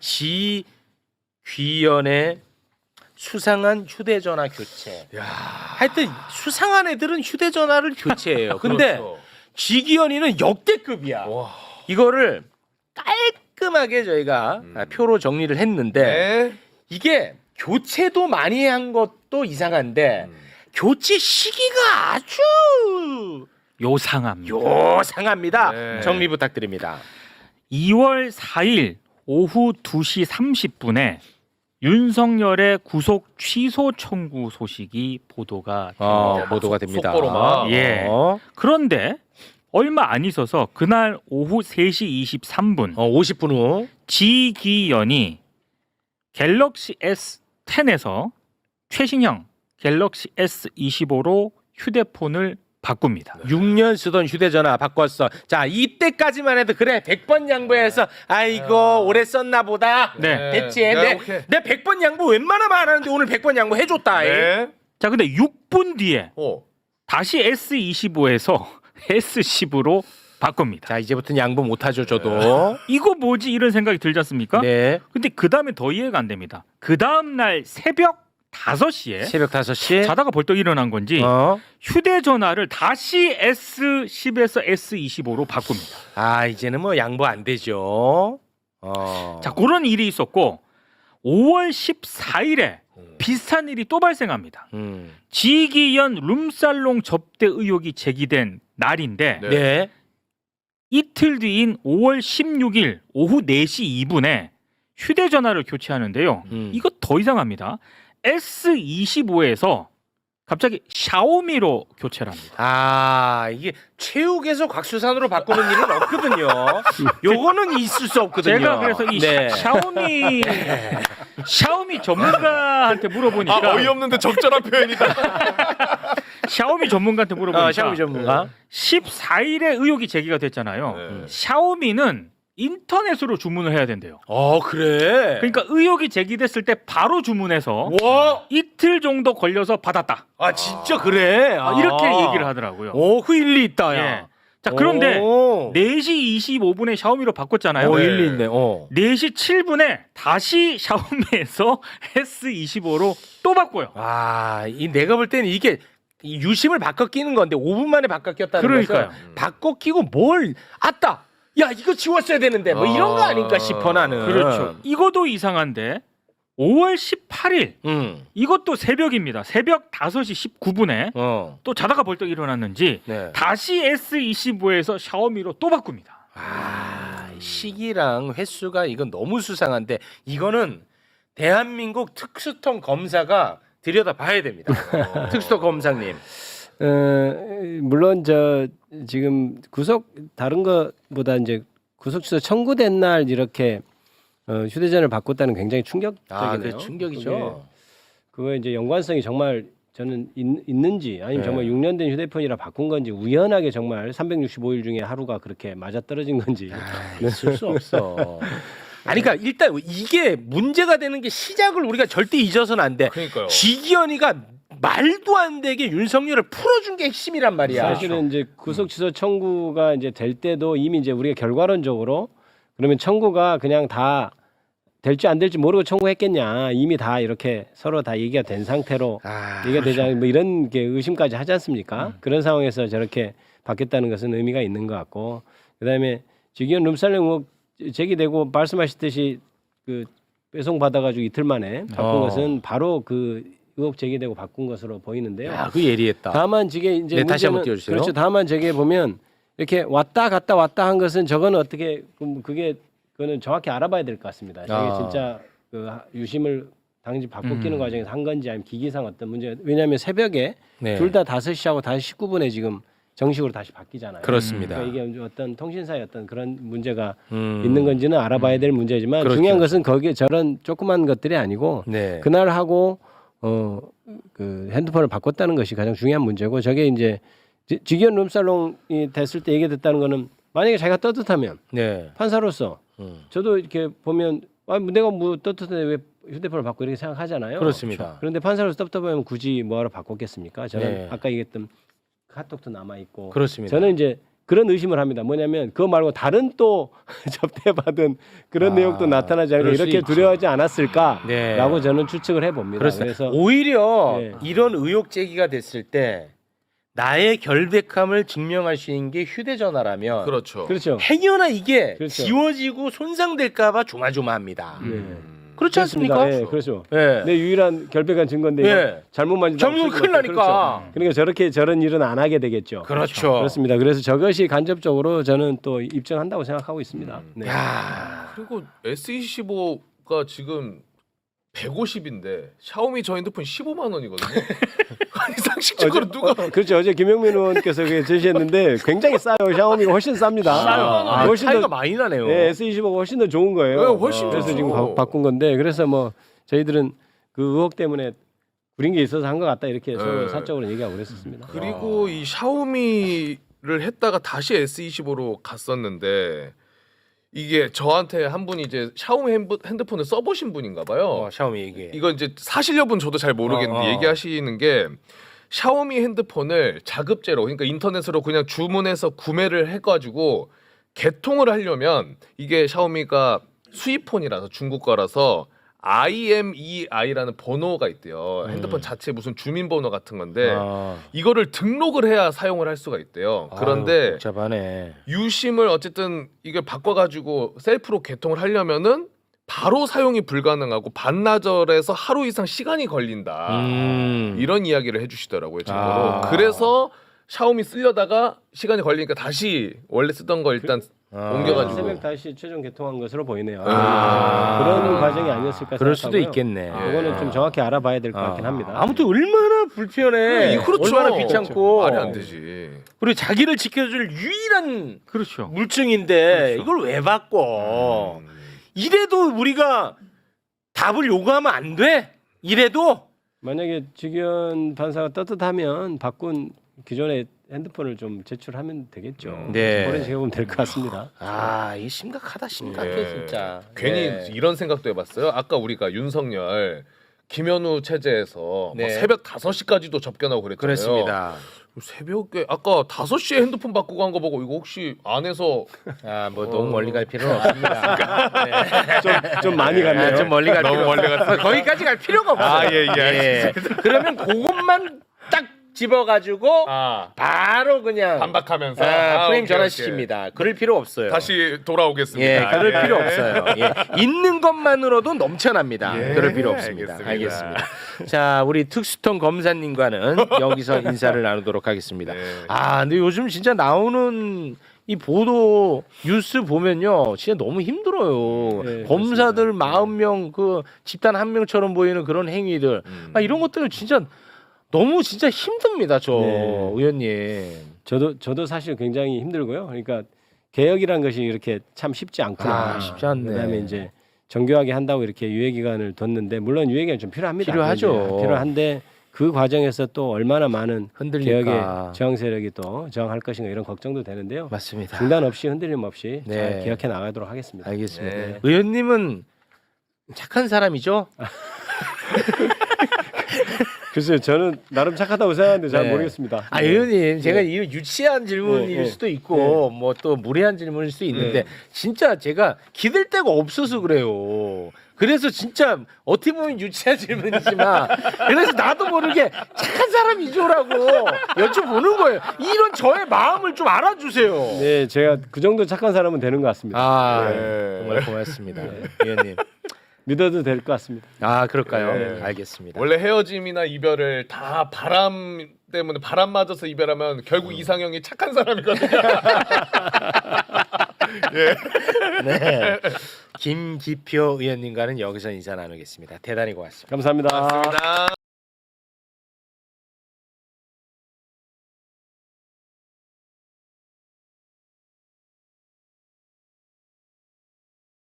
지귀연의 수상한 휴대전화 교체. 야. 하여튼 수상한 애들은 휴대전화를 교체해요. 근데 그렇죠. 지귀연이는 역대급이야. 와. 이거를 깔끔하게 저희가 표로 정리를 했는데 네. 이게 교체도 많이 한 것도 이상한데 교체 시기가 아주 요상합니다. 요상합니다. 네. 정리 부탁드립니다. 2월 4일 오후 2시 30분에 윤석열의 구속 취소 청구 소식이 보도가 됩니다. 보도가 됩니다. 속보로만. 예. 그런데 얼마 안 있어서 그날 오후 3시 23분 50분 후 지귀연이 갤럭시 S10에서 최신형 갤럭시 S25로 휴대폰을 바꿉니다. 6년 쓰던 휴대전화 바꿨어. 자, 이때까지만 해도 그래 100번 양보해서 아이고 오래 썼나 보다. 네. 됐지. 네, 오케이. 내 100번 양보 웬만하면 안 하는데 오늘 100번 양보 해줬다. 네. 자, 근데 6분 뒤에 오. 다시 S25에서 S10으로 바꿉니다. 자, 이제부터는 양보 못하죠 저도. 이거 뭐지 이런 생각이 들지 않습니까? 네. 근데 그 다음에 더 이해가 안 됩니다. 그 다음 날 새벽 5시에 새벽 5시. 자다가 벌떡 일어난 건지 휴대전화를 다시 S10에서 S25로 바꿉니다. 아, 이제는 뭐 양보 안 되죠. 자, 그런 일이 있었고 5월 14일에 비슷한 일이 또 발생합니다. 지귀연 룸살롱 접대 의혹이 제기된 날인데 네. 네. 이틀 뒤인 5월 16일 오후 4시 2분에 휴대전화를 교체하는데요. 이거 더 이상합니다. S25에서 갑자기 샤오미로 교체를 합니다. 아, 이게 최욱에서 곽수산으로 바꾸는 일은 없거든요. 요거는 있을 수 없거든요. 제가 그래서 이 네. 샤오미 전문가한테 물어보니까 아, 어이없는데 적절한 표현이다. 샤오미 전문가한테 물어보니까 샤오미 전문가. 14일에 의혹이 제기가 됐잖아요. 네. 샤오미는 인터넷으로 주문을 해야 된대요. 그래. 그러니까 의혹이 제기됐을 때 바로 주문해서 와, 이틀 정도 걸려서 받았다. 진짜 그래. 이렇게 얘기를 하더라고요. 그 일리 있다, 야. 예. 자, 그런데 오. 4시 25분에 샤오미로 바꿨잖아요. 네. 일리 있네. 4시 7분에 다시 샤오미에서 S25로 또 바꿔요. 이 내가 볼 때는 이게 이 유심을 바꿔 끼는 건데 5분 만에 바꿔 꼈다는 그러니까요. 것은 바꿔 끼고 뭘 아따. 야, 이거 지웠어야 되는데 뭐 이런 거 아닌가 싶어 나는. 그렇죠. 이것도 이상한데 5월 18일 이것도 새벽입니다. 새벽 5시 19분에 또 자다가 벌떡 일어났는지 네. 다시 S25에서 샤오미로 또 바꿉니다. 시기랑 횟수가 이건 너무 수상한데 이거는 대한민국 특수통 검사가 들여다봐야 됩니다. 특수통 검사님. 물론 저 지금 구속 다른 것보다 이제 구속 취소 청구된 날 이렇게 휴대전화를 바꿨다는 굉장히 충격적이네요. 그 충격이죠. 그거 이제 연관성이 정말 저는 있는지 아니면 네. 정말 6년 된 휴대폰이라 바꾼 건지 우연하게 정말 365일 중에 하루가 그렇게 맞아 떨어진 건지 있을 수 없어. 아니 그러니까 일단 이게 문제가 되는 게 시작을 우리가 절대 잊어서는 안 돼. 그러니까요. 지기현이가 말도 안 되게 윤석열을 풀어준 게 핵심이란 말이야. 사실은 이제 구속 취소 청구가 이제 될 때도 이미 이제 우리가 결과론적으로 그러면 청구가 그냥 다 될지 안 될지 모르고 청구했겠냐 이미 다 이렇게 서로 다 얘기가 된 상태로 얘기가 되지 않 뭐 이런 게 의심까지 하지 않습니까? 그런 상황에서 저렇게 바뀌었다는 것은 의미가 있는 것 같고 그다음에 지기현 룸살롱 의혹 제기되고 말씀하셨듯이 그 배송 받아가지고 이틀 만에 바꾼 것은 바로 그 의혹 제기되고 바꾼 것으로 보이는데요. 그 예리했다. 다만 저게 이제 네, 다시 한번 문제는- 띄워주세요. 그렇죠. 다만 저게 보면 이렇게 왔다 갔다 한 것은 저거는 어떻게 그게 그거는 정확히 알아봐야 될 것 같습니다. 저게 진짜 그 유심을 당시 바꿔 끼는 과정에서 한 건지 아니면 기기상 어떤 문제. 왜냐하면 새벽에 네. 둘 다 5시하고 다시 19분에 지금 정식으로 다시 바뀌잖아요. 그렇습니다. 그러니까 이게 어떤 통신사의 어떤 그런 문제가 음. 있는 건지는 알아봐야 될 문제지만 그렇죠. 중요한 것은 거기에 저런 조그만 것들이 아니고 네. 그날 하고 그 핸드폰을 바꿨다는 것이 가장 중요한 문제고 저게 이제 지기현 룸살롱이 됐을 때 얘기됐다는 거는 만약에 자기가 떳떳하면 네. 판사로서 저도 이렇게 보면 내가 뭐 떳떳한데 왜 휴대폰을 바꿔 이렇게 생각하잖아요. 그렇습니다. 그런데 판사로서 떳떳하면 굳이 뭐하러 바꿨겠습니까? 저는 네. 아까 얘기했던 카톡도 남아 있고 그렇습니다. 저는 이제 그런 의심을 합니다. 뭐냐면 그거 말고 다른 또 접대받은 그런 내용도 나타나지 않을까 그럴 수 이렇게 있지. 두려워하지 않았을까라고 네. 저는 추측을 해봅니다. 그렇습니다. 그래서 오히려 네. 이런 의혹 제기가 됐을 때 나의 결백함을 증명할 수 있는 게 휴대전화라면 그렇죠. 그렇죠. 행여나 이게 그렇죠. 지워지고 손상될까봐 조마조마합니다. 네. 그렇지 않습니까? 그렇습니다. 예, 그렇죠. 예. 내 유일한 결백한 증거인데 예. 잘못 만지면 잘못하면 큰일 나니까. 그러니까 저런 일은 안 하게 되겠죠. 그렇죠. 그렇습니다. 그래서 저것이 간접적으로 저는 또 입증한다고 생각하고 있습니다. 네. 야. 그리고 S25가 지금 150인데 샤오미 저 핸드폰 15만 원이거든요. 아니 상식적으로 누가 그렇죠. 어제 김영민 의원께서 그게 제시했는데 굉장히 싸요. 샤오미가 훨씬 쌉니다. 아, 훨씬 차이가 더 많이 나네요. 네, S25가 훨씬 더 좋은 거예요. 네, 훨씬 그래서 좋죠. 지금 바꾼 건데 그래서 뭐 저희들은 그 의혹 때문에 구린 게 있어서 한 것 같다 이렇게 서로 네. 사적으로 얘기하고 그랬었습니다. 그리고 이 샤오미를 했다가 다시 S25로 갔었는데 이게 저한테 한 분이 이제 샤오미 핸드폰을 써보신 분인가 봐요. 샤오미 얘기. 이거 이제 사실 여부는 저도 잘 모르겠는데 얘기하시는 게 샤오미 핸드폰을 자급제로 그러니까 인터넷으로 그냥 주문해서 구매를 해가지고 개통을 하려면 이게 샤오미가 수입폰이라서 중국 거라서 IMEI라는 번호가 있대요. 핸드폰 자체 무슨 주민번호 같은 건데 이거를 등록을 해야 사용을 할 수가 있대요. 그런데 복잡하네. 유심을 어쨌든 이걸 바꿔가지고 셀프로 개통을 하려면은 바로 사용이 불가능하고 반나절에서 하루 이상 시간이 걸린다. 이런 이야기를 해주시더라고요. 참고로. 그래서 샤오미 쓰려다가 시간이 걸리니까 다시 원래 쓰던 거 일단 옮겨가지고. 새벽 다시 최종 개통한 것으로 보이네요. 아. 그런 과정이 아니었을까 그럴 수도 생각하고요. 있겠네. 이거는 좀 정확히 알아봐야 될 것 같긴 합니다. 아무튼 얼마나 불편해. 그렇죠. 얼마나 귀찮고. 말이 안 되지. 그리고 자기를 지켜줄 유일한 그렇죠. 물증인데 이걸 왜 바꿔? 이래도 우리가 답을 요구하면 안 돼? 이래도? 만약에 직위원 판사가 떳떳하면 바꾼 기존의 핸드폰을 좀 제출하면 되겠죠. 네. 그런 식으로 보면 될 것 같습니다. 아, 이게 심각하다 심각해 예. 진짜. 괜히 네. 이런 생각도 해봤어요. 아까 우리가 윤석열 김현우 체제에서 네. 막 새벽 5시까지도 접견하고 그랬잖아요. 그렇습니다. 새벽에 아까 5시에 핸드폰 바꾸고 한 거 보고 이거 혹시 안에서 아, 뭐 너무 멀리 갈 필요는 없습니다. 네. 좀 많이 갔네요. 아, 좀 멀리 갈 너무 필요 멀리 갔습니다. 거기까지 갈 필요가 없어요. 아, 예, 알겠습니다. 그러면 그것만 딱 집어가지고 바로 그냥 반박하면서 프레임 오케이, 전환시킵니다. 그럴 필요 없어요. 다시 돌아오겠습니다. 예, 그럴 예. 필요 없어요. 예. 있는 것만으로도 넘쳐납니다. 예, 그럴 필요 없습니다. 알겠습니다. 자, 우리 특수통 검사님과는 여기서 인사를 나누도록 하겠습니다. 네. 아, 근데 요즘 진짜 나오는 이 보도 뉴스 보면요, 진짜 너무 힘들어요. 네, 검사들 그렇습니다. 40명 그 집단 한 명처럼 보이는 그런 행위들, 이런 것들은 진짜 너무 진짜 힘듭니다, 저 네. 의원님. 저도 사실 굉장히 힘들고요. 그러니까 개혁이란 것이 이렇게 참 쉽지 않구나. 아, 쉽지 않네. 그다음에 이제 정교하게 한다고 이렇게 유예 기간을 뒀는데 물론 유예 기간 좀 필요합니다. 필요하죠. 필요한데 그 과정에서 또 얼마나 많은 흔들릴까. 개혁의 저항 세력이 또 저항할 것인가 이런 걱정도 되는데요. 맞습니다. 중단 없이 흔들림 없이 네. 잘 개혁해 나가도록 하겠습니다. 알겠습니다. 네. 의원님은 착한 사람이죠? 글쎄요, 저는 나름 착하다고 생각하는데 잘 네. 모르겠습니다. 아, 네. 의원님, 제가 네. 이 유치한 질문일 네. 수도 있고, 뭐 또 무례한 질문일 수도 있는데, 진짜 제가 기댈 데가 없어서 그래요. 그래서 진짜 어떻게 보면 유치한 질문이지만, 그래서 나도 모르게 착한 사람이죠라고 여쭤보는 거예요. 이런 저의 마음을 좀 알아주세요. 네, 제가 그 정도 착한 사람은 되는 것 같습니다. 아, 네. 정말 고맙습니다, 의원님. 믿어도 될 것 같습니다. 아, 그럴까요? 네. 알겠습니다. 원래 헤어짐이나 이별을 다 바람 때문에 바람 맞아서 이별하면 결국 이상형이 착한 사람이거든요. 네. 김기표 의원님과는 여기서 인사 나누겠습니다. 대단히 고맙습니다. 감사합니다. 맞습니다.